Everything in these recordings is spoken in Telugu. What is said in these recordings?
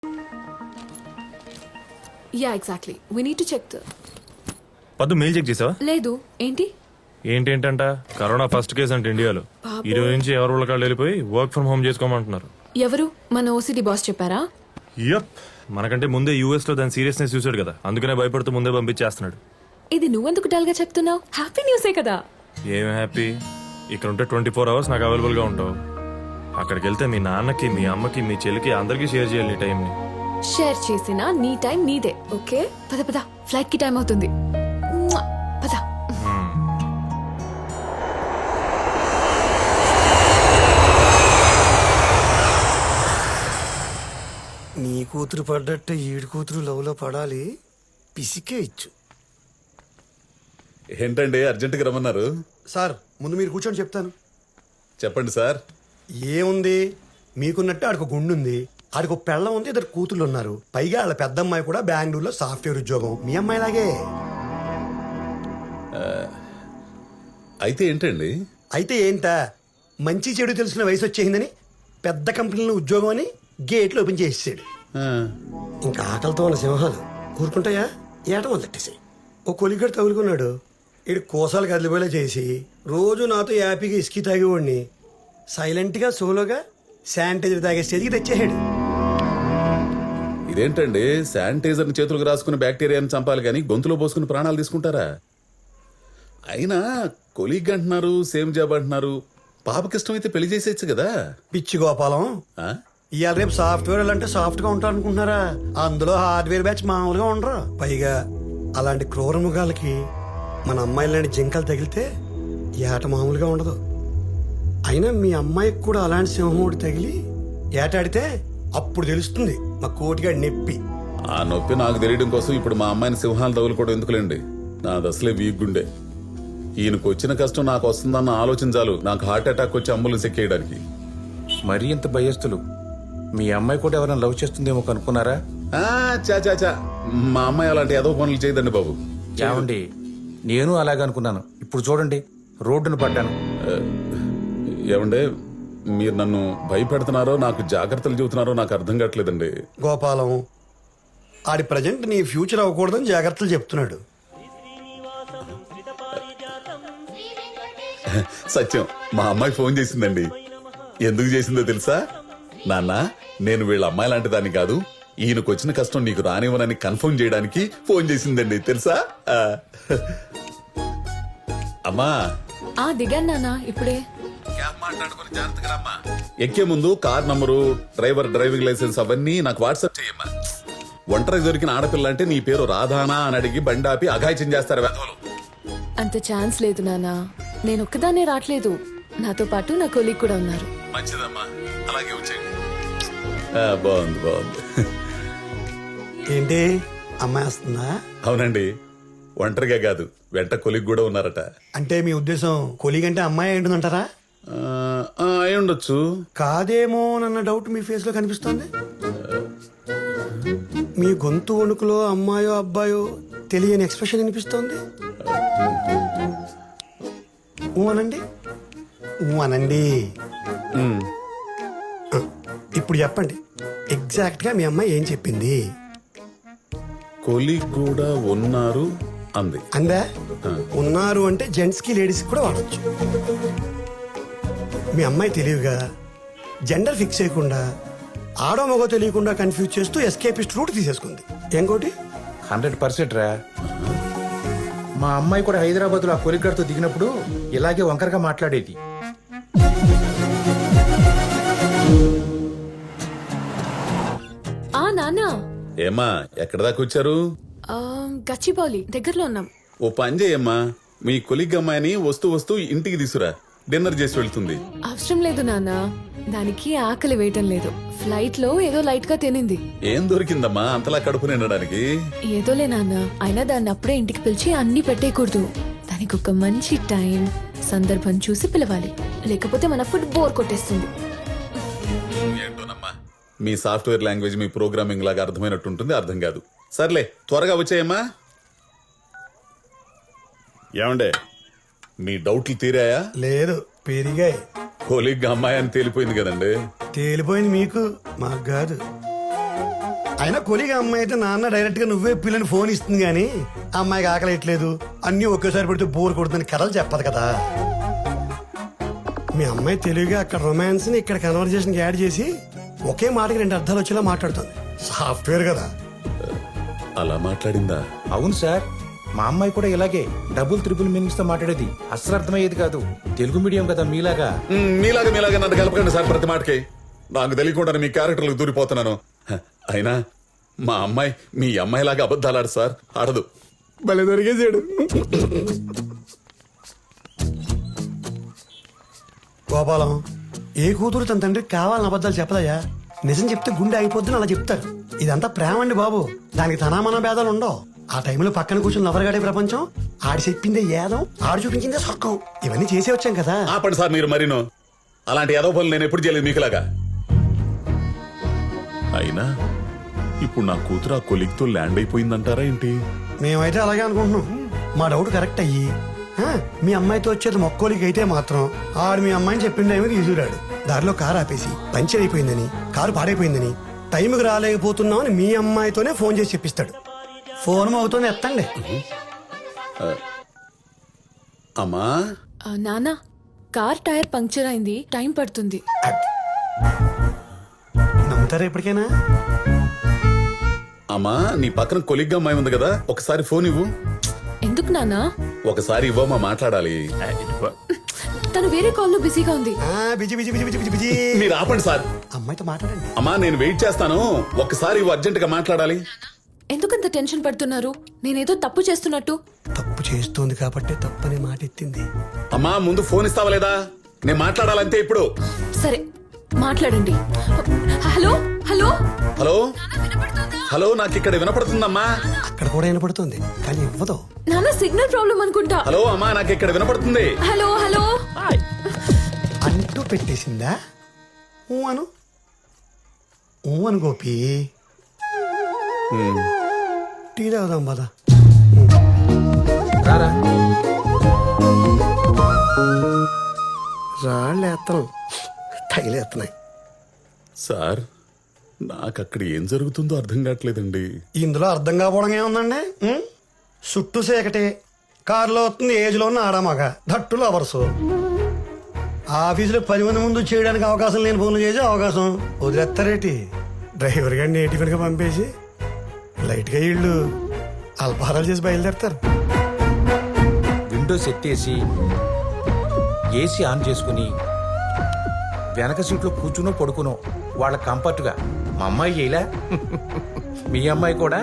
Yeah exactly we need to check the పద్దు మెయిల్ చెక్ చేసావా? లేదు ఏంటి ఏంటంట కరోనా ఫస్ట్ కేసు అంటే ఇండియాలో. ఈ రోజు నుంచి ఎవరు వాళ్ళకాళ్ళు వెళ్ళిపోయి వర్క్ ఫ్రమ్ హోమ్ చేసుకోమంటున్నారు. ఎవరు మన ఓసిడి బాస్ చెప్పారా? యప్, మనకంటే ముందే యూఎస్ లో దాని సీరియస్నెస్ చూసాడు కదా, అందుకనే భయపడుతూ ముందే పంపించేస్తున్నాడు. ఇది నువ్వెందుకు డల్ గా చెప్తున్నావు? హ్యాపీ న్యూసే కదా. ఏం హ్యాపీ? ఇక్కడ ఉంటే 24 hours నాకు అవైలబుల్ గా ఉంటావు. అక్కడికి వెళ్తే మీ నాన్నకి, మీ అమ్మకి, మీ చెల్లికి అందరికీ షేర్ చేయాలి ఈ టైంని. షేర్ చేసినా నీ టైం నీదే. ఓకే పద పద, ఫ్లైట్ కి టైం అవుతుంది. మ్వా! పద. నీ కూతురు పడ్డట్టే ఈడు కూతురు లవ్లో పడాలి, పిసికే ఇచ్చు. ఏంటండి అర్జెంటుగా రమ్మన్నారు? సార్ ముందు మీరు కూర్చొని చెప్తాను. చెప్పండి సార్. ఏముంది, మీకున్నట్టే ఆడికి గుండు ఉంది, ఆడికి పెళ్ళం ఉంది, ఇద్దరు కూతుళ్ళు ఉన్నారు. పైగా వాళ్ళ పెద్ద అమ్మాయి కూడా బెంగళూరులో సాఫ్ట్వేర్ ఉద్యోగం, మీ అమ్మాయిలాగే. అయితే ఏంటండి? అయితే ఏంటా, మంచి చెడు తెలిసిన వయసు వచ్చేసిందని పెద్ద కంపెనీలో ఉద్యోగం అని గేట్లు ఓపెన్ చేసేసాడు. ఆ, ఇంకా ఆకలితో ఉన్న సింహాలు ఊరుకుంటాయా? ఏట మొదలెట్టేసాయి. ఓ కొలిగడు తగులుకున్నాడు, ఇడు కోసాలు కదిలిపోయేలా చేసి రోజు నాతో యాపీగా ఇసుకి తాగేవాడిని సైలెంట్గా సోలోగా శానిటైజర్ తాగే స్టేజ్కి తెచ్చేసాడు. ఇదేంటండి, శానిటైజర్ని చేతులకు రాసుకుని బ్యాక్టీరియాని చంపాలి కానీ గొంతులో పోసుకుని ప్రాణాలు తీసుకుంటారా? అయినా కొలీగ్ అంటున్నారు, సేమ్ జాబ్ అంటున్నారు. పాపకి ఇష్టమైతే పెళ్లి చేసేయచ్చు కదా. పిచ్చి గోపాలం, ఆ? ఇవాళ రేపు సాఫ్ట్వేర్ అంటే సాఫ్ట్గా ఉంటారు అనుకుంటున్నారా? అందులో హార్డ్వేర్ బ్యాచ్ మామూలుగా ఉండరు. పైగా అలాంటి క్రూర మృగాలకి మన అమ్మాయిలాంటి జింకలు తగిలితే ఏట మామూలుగా ఉండదు. అయినా మీ అమ్మాయికి కూడా అలాంటి సింహముడు తగిలి ఏటాడితే అప్పుడు తెలుస్తుంది మా కోటిగాడి నొప్పి. ఆ నొప్పి నాకు తెలియడం కోసం ఇప్పుడు మా అమ్మాయిని సింహాలు తగులుకోవడం ఎందుకులేండి. నాది అసలే వీక్ గుండె. ఈయనకు వచ్చిన కష్టం నాకు వస్తుందన్న ఆలోచన చాలు నాకు హార్ట్ అటాక్ వచ్చి అంబులెన్స్ ఎక్కేయడానికి. మరీ ఇంత భయస్తులు. మీ అమ్మాయి కూడా ఎవరైనా లవ్ చేస్తుందేమో కనుక్కున్నారా? చా మా అమ్మాయి అలాంటి ఏదో పనులు చేయదండి బాబు. ఏమండి, నేను అలాగే అనుకున్నాను. ఇప్పుడు చూడండి, రోడ్డును పడ్డాను. ఏమండే, మీరు నన్ను భయపెడుతున్నారో నాకు జాగ్రత్తలు చెబుతున్నారో నాకు అర్థం కావట్లేదండి. గోపాలం, ఆడి ప్రజెంట్ నీ ఫ్యూచర్ అవ్వకూడదని జాగ్రత్తలు చెప్తున్నాడు. సత్యం, మా అమ్మాయి ఫోన్ చేసిందండి. ఎందుకు చేసిందో తెలుసా? నాన్న, నేను వీళ్ళ అమ్మాయి లాంటి దాన్ని కాదు, ఈయనకు వచ్చిన కష్టం నీకు రానివ్వనని కన్ఫర్మ్ చేయడానికి ఫోన్ చేసిందండి తెలుసా? అమ్మా దిగాను నాన్న ఇప్పుడే. ఎక్కే ముందు car number, driver driving licence అవన్నీ నాకు వాట్సాప్ చేయమ్మా. ఒంటరి దొరికిన ఆడపిల్ల అంటే నీ పేరు రాధానా అని అడిగి బండాపి అఘాయిత్యం చేస్తారు వెధవలు. అంత ఛాన్స్ లేదు నాన్న, నేను ఒక్కదాన్నే రావట్లేదు, నాతో పాటు నా కొలీగ్ కూడా ఉన్నారు. మంచిదమ్మా, అలాగే వచ్చేయండి. బాగుంది బాగుంది. ఏంటి, అమ్మాయి వస్తుందా? అవునండి, ఒంటరిగా కాదు, వెంట కొలిగ్ కూడా ఉన్నారట. అంటే మీ ఉద్దేశం కొలీగ్ అంటే అమ్మాయి ఏంటుందంటారా? అయి ఉండొచ్చు. కాదేమో అన్న డౌట్ మీ ఫేస్ లో కనిపిస్తోంది. మీ గొంతు వణుకులో అమ్మాయో అబ్బాయో తెలియని ఎక్స్ప్రెషన్ అనిపిస్తోంది. అనండి అనండి. ఇప్పుడు చెప్పండి, ఎగ్జాక్ట్ గా మీ అమ్మాయి ఏం చెప్పింది? కొలిగ్ కూడా ఉన్నారు అంది. అందా? ఉన్నారు అంటే జెంట్స్ కి లేడీస్ కూడా వాడచ్చు. మీ అమ్మాయి తెలివిగా జెండర్ ఫిక్స్ చేయకుండా ఆడో మగో తెలియకుండా కన్ఫ్యూజ్ చేస్తూ ఎస్కేపిస్ట్ రూట్ తీసేసుకుంది. ఇంకోటి 100% రా. మా అమ్మాయి కూడా హైదరాబాద్ లో ఆ కొలిగడ్తో దిగినప్పుడు ఇలాగే వంకరగా మాట్లాడేది. నాన్న. ఏమ్మా, ఎక్కడ దాకా వచ్చారు? గచ్చిబౌలి దగ్గరలో ఉన్నాం. ఓ పని చేయమ్మా, మీ కొలిగ్ అమ్మాయిని వస్తూ వస్తూ ఇంటికి తీసురా, డిన్నర్ చేసి వెళ్తుంది. అవసరం లేదు నాన్న, దానికి ఆకలి వేయటం లేదు. ఫ్లైట్ లో ఏదో లైట్ గా తినింది. ఏం దొరికిందమ్మా అంతలా కడుపు నిండడానికి? ఏదోలే నాన్న, అయినా దాన్ని అప్పుడే ఇంటికి పిలిచి అన్ని పెట్టేయకూడదు. దానికి ఒక మంచి టైం, సందర్భం చూసి పిలవాలి, లేకపోతే మన ఫుడ్ బోర్ కొట్టేస్తుంది. ఏంటోనమ్మా, మీ సాఫ్ట్వేర్ లాంగ్వేజ్ మీ ప్రోగ్రామింగ్ లాగా అర్థమైనట్టుంటుంది, అర్థం కాదు. సర్లే, త్వరగా వచ్చాయమ్మా. ఏమండే, మీ డౌట్లు తీరాయా? లేదు, పెరిగాయి. కొలిగ్ అమ్మాయి అని తేలిపోయింది కదండి. తేలిపోయింది మీకు, మాకు కాదు. అయినా కొలిగా అమ్మాయి అయితే నాన్న డైరెక్ట్ గా నువ్వే పిల్లని ఫోన్ ఇస్తుంది కానీ అమ్మాయికి ఆకలేయట్లేదు అన్నీ ఒకేసారి పెడితే బోర్ కొడుతుందని కథలు చెప్పదు కదా. మీ అమ్మాయి తెలివిగా అక్కడ రొమాన్స్ ని ఇక్కడ కన్వర్జేషన్ యాడ్ చేసి ఒకే మాటకి 2 అర్థాలు వచ్చేలా మాట్లాడుతుంది. సాఫ్ట్వేర్ కదా. అలా మాట్లాడిందా? అవును సార్, మా అమ్మాయి కూడా ఇలాగే డబుల్ త్రిపుల్ మీనింగ్స్ తో మాట్లాడేది. అస్సలు అర్థమయ్యేది కాదు. తెలుగు మీడియం కదా మీలాగా. మీలాగా నన్ను కలపకండి సార్ ప్రతి మాటకి. నాకు తెలియకుండా మీ క్యారెక్టర్లకు దూరిపోతున్నాను. అయినా మా అమ్మాయి మీ అమ్మాయిలాగా అబద్ధాలు ఆడు సార్, ఆడదు. భలే దొరికేసాడు. గోపాలం, ఏ కూతురు తన తండ్రికి కావాలని అబద్ధాలు చెప్పదయ్యా. నిజం చెప్తే గుండె అయిపోద్దని అలా చెప్తారు. ఇదంతా ప్రేమ అండి బాబు. దానికి తనామన భేదాలు ఉండవు. ఆ టైంలో పక్కన కూర్చుని నవరగాడే ప్రపంచం. ఆడి చెప్పిందే ఏదం, ఆడు చూపించిందే స్వర్గం. ఇవన్నీ చేసే వచ్చాం కదా. ఆపండి సార్ మీరు మరీను. అలాంటి ఏదో పనులు నేను ఎప్పుడు చేయలేదు మీకులాగా. అయినా ఇప్పుడు నా కూతురు ఆ కొలిగ్తో ల్యాండ్ అయిపోయిందంటారా ఏంటి? మేమైతే అలాగే అనుకుంటున్నాం. మా డౌట్ కరెక్ట్ అయ్యి మీ అమ్మాయితో వచ్చేది మొక్కోలికి అయితే మాత్రం ఆడు మీ అమ్మాయిని చెప్పిన టైంకి ఎదురాడు. దారిలో కారు ఆపేసి పంచర్ అయిపోయిందని, కారు పాడైపోయిందని, టైంకి రాలేకపోతున్నామని మీ అమ్మాయితోనే ఫోన్ చేసి చెప్పిస్తాడు. ఫోన్ అవుతూనే ఎత్తండి. అమ్మా నానా, కార్ టైర్ పంక్చర్ అయింది, టైం పడుతుంది. నమ్ముతారా ఇప్పటికైనా? అమ్మా నీ పక్కన కొలిగ్గా అమ్మాయి ఉంది కదా, ఒకసారి ఫోన్ ఇవ్వు. ఎందుకు నానా? ఒకసారి ఇవ్వమ్మా, మాట్లాడాలి. తను వేరే కాల్లో బిజీగా ఉంది. Busy busy busy busy busy. మీరు ఆపండి సార్. అమ్మాయితో మాట్లాడండి. అమ్మా నేను వెయిట్ చేస్తాను, ఒక్కసారి ఇవ్వు, అర్జెంట్ గా మాట్లాడాలి. ఎందుకంత టెన్షన్ పడుతున్నారు? నేనేదో తప్పు చేస్తున్నట్టు. తప్పు చేస్తోంది కాబట్టి తప్పని మాట ఎత్తింది. అమ్మా ముందు ఫోన్ ఇస్తావా లేదా? నేను మాట్లాడాలంతే ఇప్పుడు. సరే మాట్లాడండి. హలో హలో హలో హలో, నాకు ఇక్కడ వినపడుతుందమ్మా. అక్కడ కూడా వినపడుతుంది కానీ ఇవ్వదు. నాన్న సిగ్నల్ ప్రాబ్లం అనుకుంటా. హలో అమ్మా, నాకు ఇక్కడ వినపడుతుంది. హలో హలో అంటూ పెట్టేసిందా? ఊ అను, ఊ అను గోపి. టీ తాగుదాం పద. రారా. రాళ్ళు ఎత్తనం తగిలేస్తున్నాయి. సార్ నాకు అక్కడ ఏం జరుగుతుందో అర్థం కావట్లేదండి. ఇందులో అర్థం కాకపోవడం ఏముందండి? చుట్టూ సేకటే, కారులో వస్తుంది ఏజ్లో ఉన్న ఆడామగ, దట్టులో అవర్సు. ఆఫీసులో 10 మంది ముందు చేయడానికి అవకాశం లేని ఫోన్లు చేసే అవకాశం వదిలేస్తారేటి? డ్రైవర్ గారిని నేటిఫిన్గా పంపేసి లైట్గా ఇళ్ళు అల్పహారాలు చేసి బయలుదేరతారు. విండోస్ ఎత్తేసి ఏసీ ఆన్ చేసుకుని వెనక సీట్లో కూర్చునో పడుకునో వాళ్ళ కంఫర్ట్గా. మా అమ్మాయి చేయలే, మీ అమ్మాయి కూడా.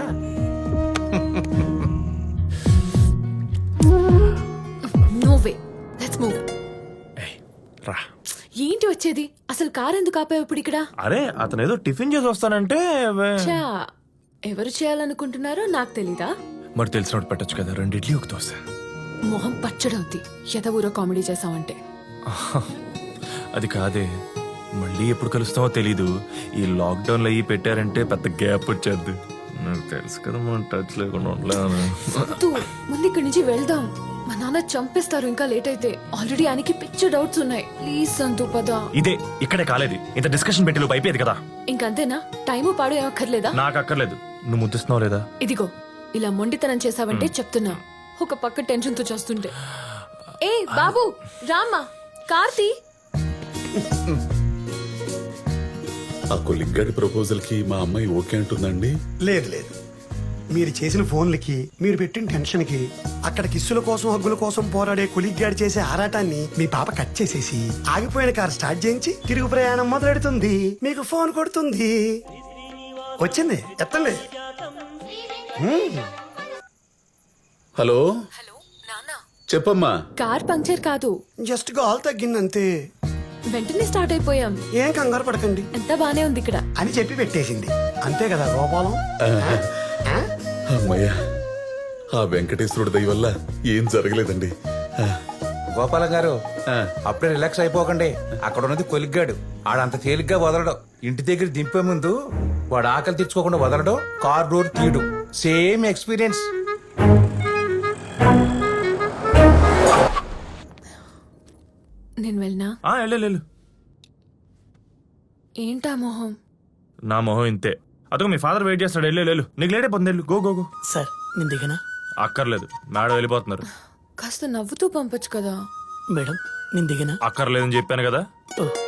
No way, let's move. రా. ఏంటి వచ్చేది? అసలు కార్ ఎందుకు ఆపావు ఇప్పుడు ఇక్కడ? అరే అతను ఏదో టిఫిన్ చేసి వస్తానంటే చా, ఎవరు చేయాలనుకుంటున్నారో నాకు తెలీదా? మరి తెలిసినట్టు పెట్టచ్చు కదా, 2 ఇడ్లీ ఒక దోశ. మొహం పచ్చడవుద్ది ఎద ఊరో కామెడీ చేసావంటే. అది కాదే, మళ్ళీ ఎప్పుడు కలుస్తామో తెలీదు. ఈ లాక్డౌన్ లో అయ్యి పెట్టారంటే పెద్ద గ్యాప్ వచ్చేద్ది. నాకు తెలుసు కదా మనం టచ్ లేకుండా ఉండలేను. వద్దు, ముందు ఇక్కడి నుంచి వెళ్దాం. మా నాన్న చంపేస్తారు ఇంకా లేట్ అయితే. ఆల్రెడీ ఆయనకి పిచ్చ డౌట్స్ ఉన్నాయి. ప్లీజ్ సంతు పద. ఇదే ఇక్కడే కాలేదు, ఇంత డిస్కషన్ పెట్టి లోపు అయిపోయేది కదా. ఇంకంతేనా? టైము పాడు ఏమక్కర్లేదా? నాకు అక్కర్లేదు. నువ్వు ముద్దిస్తున్నావు లేదా? ఇదిగో ఇలా మొండితనం చేసావంటే చెప్తున్నా. ఒక పక్క టెన్షన్ తో చేస్తుంటే. ఏ బాబు రామ్మా, కార్తీ. ఆ కొలిగ్గాడి ప్రపోజల్ కి మా అమ్మాయి ఓకే అంటుందండి. లేదు లేదు, మీరు చేసిన ఫోన్లకి, మీరు పెట్టిన టెన్షన్ కి, అక్కడ కిస్సుల కోసం హగ్గుల కోసం పోరాడే కొలిగ్గాడి చేసే ఆరాటాన్ని మీ పాప కట్ చేసేసి ఆగిపోయిన కారు స్టార్ట్ చేయించి తిరుగు ప్రయాణం మొదలెడుతుంది. మీకు ఫోన్ కొడుతుంది. వచ్చింది, ఎత్తండి. హలో హలో నాన్న, చెప్పమ్మా. కార్ పంక్చర్ కాదు, జస్ట్ గాల్ తగ్గిందంతే. వెంటనే స్టార్ట్ అయిపోయాం. ఏం కంగారు పడకండి ఎంత బానే ఉంది ఇక్కడ అని చెప్పి పెట్టేసింది. అంతే కదా గోపాలం? అమ్మయ్యా, ఆ వెంకటేశ్వరుడి దయ వల్ల ఏం జరగలేదండి. గోపాలం గారు, అప్పుడే రిలాక్స్ అయిపోకండి. అక్కడ ఉన్నది కొలిగ్గాడు, ఆడంత తేలిగ్గా వదలడు. ఇంటి దగ్గర దింపే ముందు వాడు ఆకలి తెచ్చుకోకుండా వదలడు, కార్ డోర్ తీయడు. Same experience. నేను వెళ్ళినా? వెళ్ళు. ఏంటా మొహం? నా మొహం ఇంతే. అదొక మీ ఫాదర్ వెయిట్ చేస్తాడు. వెళ్ళు నీకు లేట్ అయిపోతుంది. వెళ్ళు గో గో గో. సార్ నేను దిగనా? అక్కర్లేదు, మేడం వెళ్ళిపోతున్నారు. కాస్త నవ్వుతూ పంపొచ్చు కదా. మేడం నేను దిగనా? అక్కర్లేదని చెప్పాను కదా. ఓ